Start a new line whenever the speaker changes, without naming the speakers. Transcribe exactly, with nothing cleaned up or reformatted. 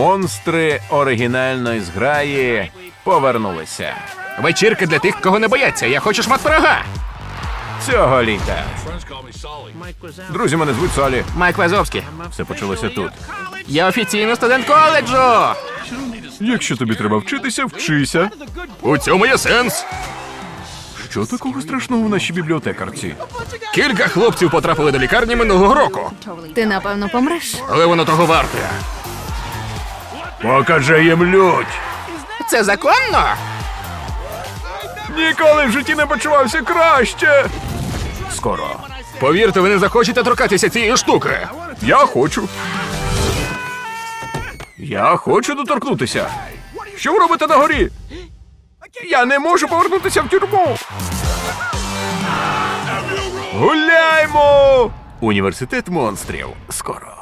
Монстри оригінальної зграї повернулися.
Вечірка для тих, кого не бояться. Я хочу шмат пирога.
Цього літа. Друзі, мене звуть Солі.
Майк Вазовський.
Все почалося тут.
Я офіційно студент коледжу.
Якщо тобі треба вчитися, вчися.
У цьому є сенс.
Що такого страшного в нашій бібліотекарці?
Кілька хлопців потрапили до лікарні минулого року.
Ти, напевно, помреш.
Але воно того варте.
Покажи їм лють!
Це законно?
Ніколи в житті не почувався краще! Скоро.
Повірте, ви не захочете торкатися цієї штуки.
Я хочу. Я хочу доторкнутися. Що ви робите на горі? Я не можу повернутися в тюрму. Гуляймо! Університет монстрів. Скоро.